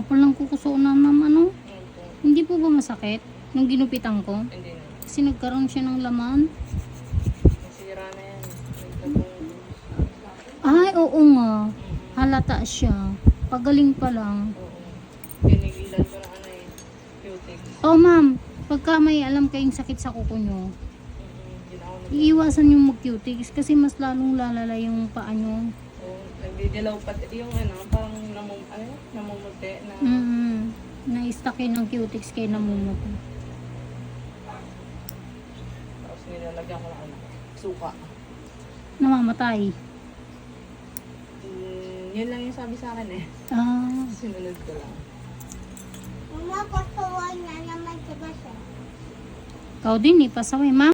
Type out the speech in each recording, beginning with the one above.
kapal ng kuko na ano. Opo. Hindi po ba masakit nung ginupitan ko? Hindi na. Kasi nagkaroon siya ng laman. Nasira na yan. Nagtabong. Ay, oo nga. Halata siya. Pagaling pa lang. Oo. Pinigilan ko na ano eh. Cutex. Oh, ma'am. Pagka may alam kayong sakit sa kuko nyo, Hindi na ako iiwasan yung mag-cutics kasi mas lalong lalala yung paa nyo. Oo. Nagdidilaw pati yung ano, parang namumuti na. Na-stuck yun ang cutics kaya namumuti. Tapos nilalagyan ko ng ano, suka. Namamatay. Yun lang yung sabi sa akin eh. Ah. Sinunod ko lang. Mama, pasaway na naman si Basa. Ikaw din eh, pasaway, ma'am.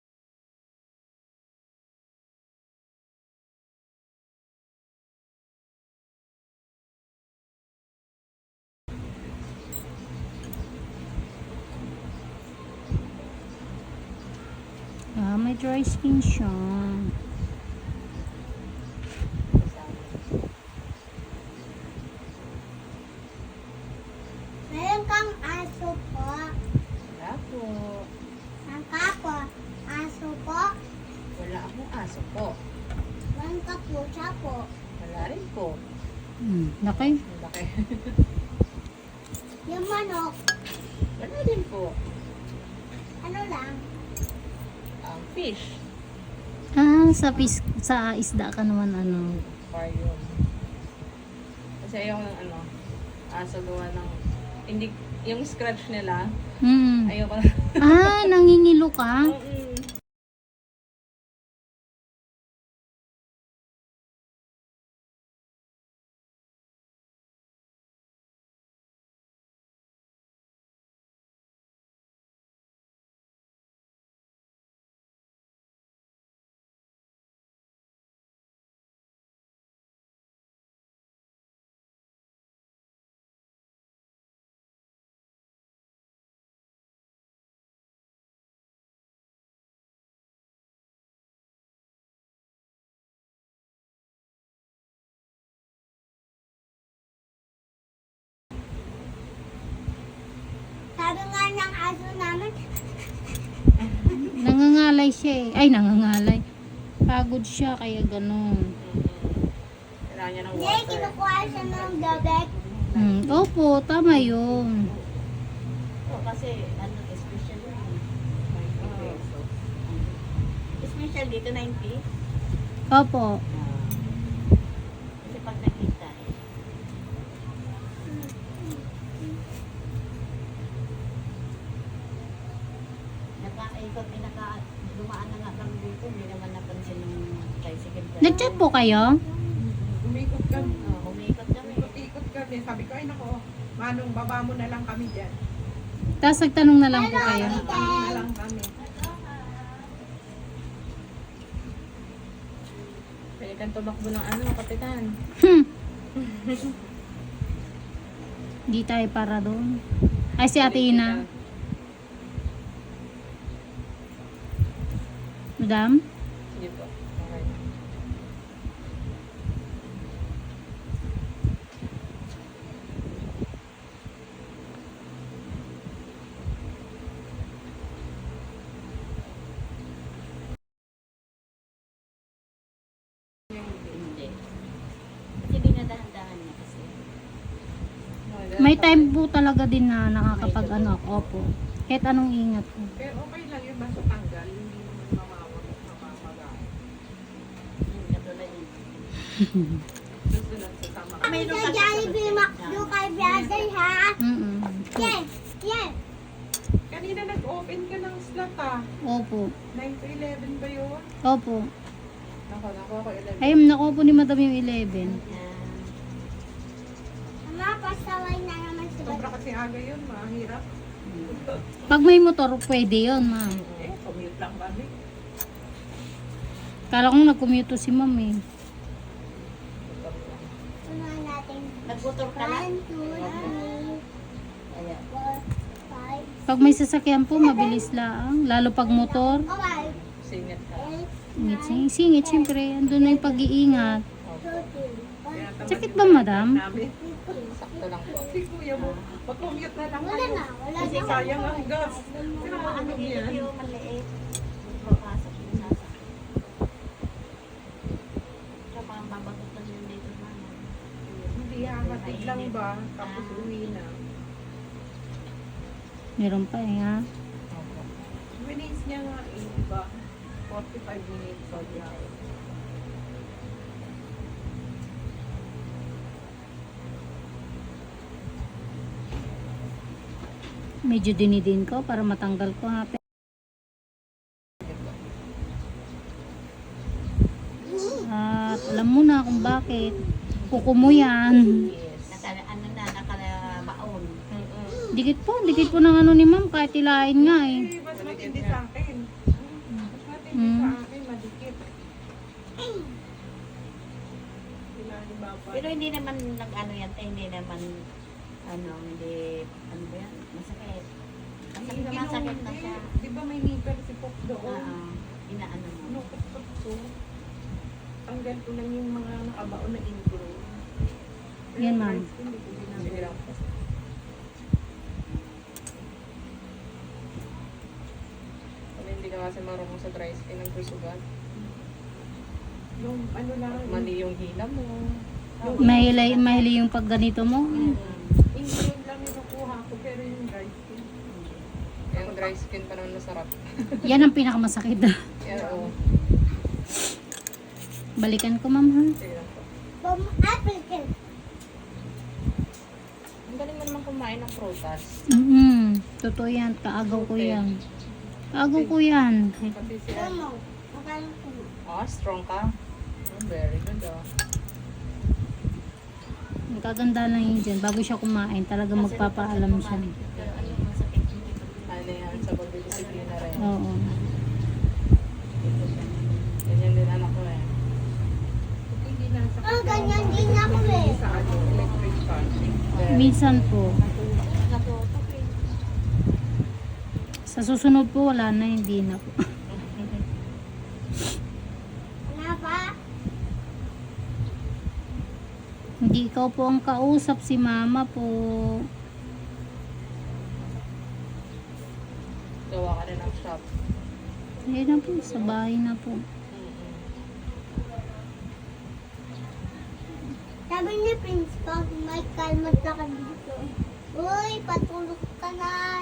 Ah, may dry skin siya. Meron kang aso po. Wala po. Ang kapo, aso po. Wala akong aso po. Meron ka pusa po. Wala rin po. Laki. Ang laki. Yung manok, Wala din po. ano lang? Ang fish. Ah, sa isda ka naman ano. Aquarium. Kasi ayaw ng ano, aso gawa ng, hindi, yung scratch nila, ayaw ko. Ah, nangingilo ka? Sabi nga ng aso namin, Nangangalay siya eh. Ay, nangangalay. Pagod siya, kaya ganun. Kailangan niya ng hindi, water. kinukuha siya ng gabet. Opo, tama yun. Kasi ano, special yun. Special dito 90. Opo. Kasi pag nakita eh. Nakaikot, dumaan na nga kami dito, hindi naman napansin yung tricycle. Nag-chat po kayo? Umikot kami. Umikot kami. Ikot kami. Sabi ko, ay nako, manong baba mo na lang kami dyan. Tapos nagtanong na lang po kayo. Ano na lang kami. Pwede kang tumakbo ng ano, kapitan. Di tayo para doon. Ay, si Ate Ina. Madam? Sige po. Okay. Hindi. Kasi dinadahan-dahan niya kasi. May time po talaga din na nakakapag ano ako. Opo. Kahit anong ingat po. Pero okay lang yun, basta tanggal. Hindi naman mamamagaan. Katulad yun. Susunod sa tama. Kami sa Jollibee McDo kay brother ha. Yes, yes. Kanina nag-open ka ng slot ah. Opo. 9 to 11 ba yun? Opo. Naku ako 11. Ay, nakuha po ni Madam yung 11. Mama, pasaway na naman si Sobra Basa. kasi aga yun, mahirap. Pag may motor, pwede yun, ma'am. Commute lang kami. Kala kong nag-commute si ma'am eh. Unahan natin. Nagmotor ka lang? 1, 2, 3, Kaya. 4, 5, Pag may sasakyan po, mabilis lang. Lalo pag motor. okay. Singit ka. 8, Singit, singit, siyempre. Andun na yung pag-iingat. 2, 3, Kaya tamad Sakit yung ba, driver madam? namin. Sakto lang po. Si kuya mo, mag-commute na lang Wala kayo. na, wala Kasi na. sayang ang gas. Sino Ano maano dito yan? yung maliit. Papasok yung sasakyan. Kaya parang babagutan yun dito na. Hindi hamatid lang ba? Tapos uwi na. Meron pa eh ha. Opo. Minutes niya nga eh, diba? 45 minutes sa biyahe. Medyo dinidin ko para matanggal ko ha. At alam mo na kung bakit. Kuko mo yan. Yes. Nakalabaon. Dikit po ng ano ni ma'am kahit ilahin nga eh. Eh, mas matindi sa akin. Mas matindi sa akin, madikit. Sila ni Baba. Pero hindi naman nag-ano yan, hindi naman, hindi, ano ba yan, masakit. Masakit naman, sakit na siya. Di ba may nipper si Pop doon? Oo, inaano mo. Ano, kapag ko, tanggal ko lang yung mga nakabaon na intro. Pero Yan, ma'am. first, hindi ko ginagawa. Sige lang po. Kung hindi ka kasi marunong sa dry skin ng kusugan, Yung ano lang, mali yung hila mo. Mahili yung pag ganito mo. intro lang yung nakuha ko, pero yung dry skin. Yung dry skin pa naman masarap. Yan ang pinakamasakit. Yan o. Balikan ko ma'am ha. Sige lang po. From African. Ang galing mo naman kumain ng prutas. Totoo yan. Kaagaw ko yan. Kaagaw ko yan. Pati siya. Tama. Makain ko. Ah, strong ka. Oh, very good ah. Ang kaganda lang yun dyan. Bago siya kumain, talaga magpapaalam siya. Pero ano yung masakit dito? Ano yan, sa pagdidisiplina rin. Oo. Ganyan din anak ko eh. Hindi na sa Ganyan din ako eh. sa ano, electric fan. Minsan po. Natutok eh. Sa susunod po, wala na. Hindi na po. Ano ba? Hindi ikaw po ang kausap, si mama po. Gawa ka rin ng shop. Ayun na po, sa bahay na po. Sabi ni Principal, may kalmat na ka dito. Uy, patulog ka na.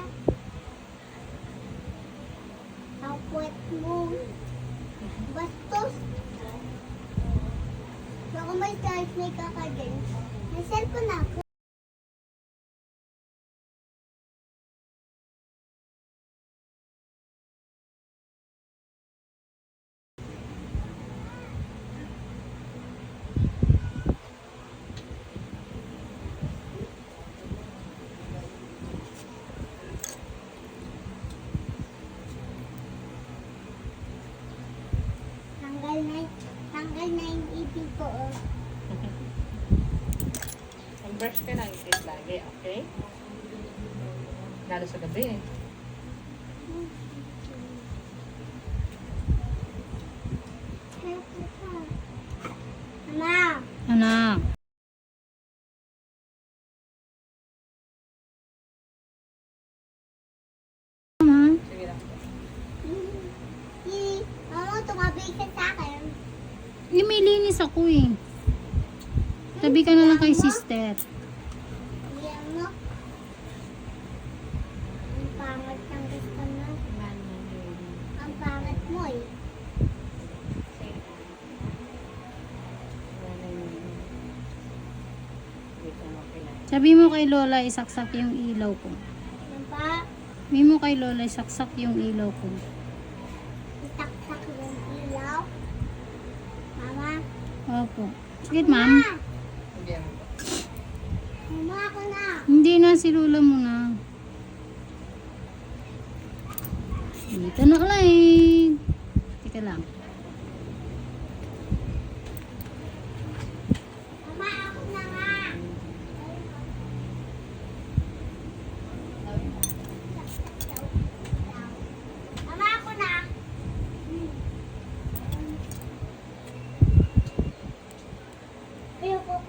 Ang puwet mo. Bastos. Baka may charge may kakadin. May cellphone ako. Tanggal na yung ipin ko. Oh. Mag-brush ka ng teeth lagi, okay? Lalo sa gabi eh. Mama, Anak. Mama. Sige lang po. Mama, tumabi ka sa akin. Eh, may linis ako eh. Tabi ka na lang kay sister. Yan mo. Ang pangat ng gusto mo. Ang pangat mo eh. Sabi mo kay Lola, isaksak yung ilaw ko. Ano pa? Sabi mo kay Lola, isaksak yung ilaw ko. Itaktak yung ilaw. Mama. Opo. Sige, ma'am. Sige lang po. Mama, ako na. Hindi na, si Lola muna. Dito na ulit. Teka lang. Mama, ako na nga. Mama, ako na. Ayoko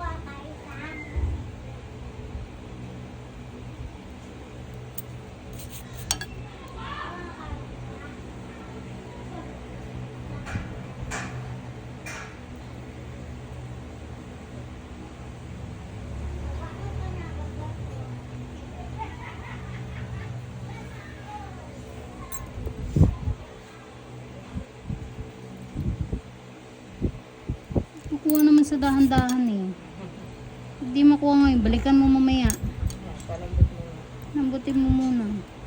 kuha naman sa dahan-dahan eh. Hindi makuha ngayon, balikan mo mamaya. Palambot mo na. Lambutin mo muna.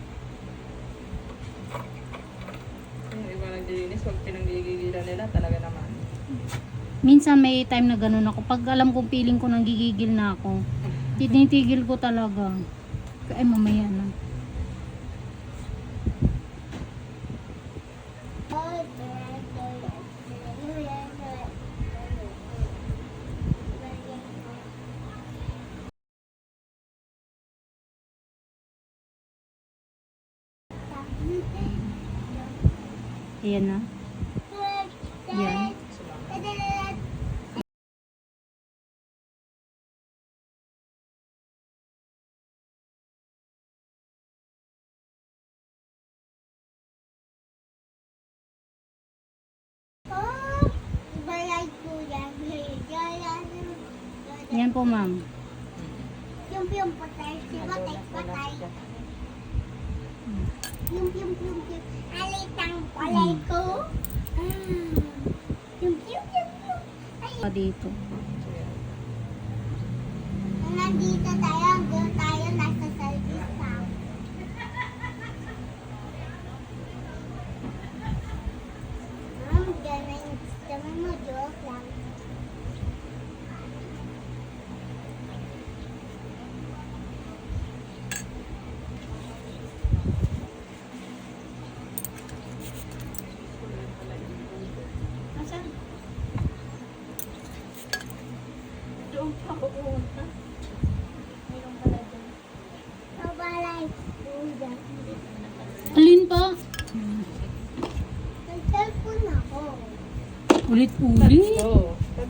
Yung iba naglilinis, pag pinanggigigilan nila, talaga naman. Minsan may time na ganun ako. Pag alam kong feeling ko nang gigigil na ako, tinitigil ko talaga. Ay, mamaya na. Ayan na. Yan. Yan po, ma'am. Yung patay, si patay. Yung. Alitang palay ko. Yung. Ay, Pa dito. nandito tayo, doon tayo, nasa service pa. Ganun, sabi mo, joke lang. Nasaan? Doon pa ako pumunta. Mayroon pala dyan. Nabalay. Alin pa? Nag-cellphone ako. Ulit-ulit. Oo.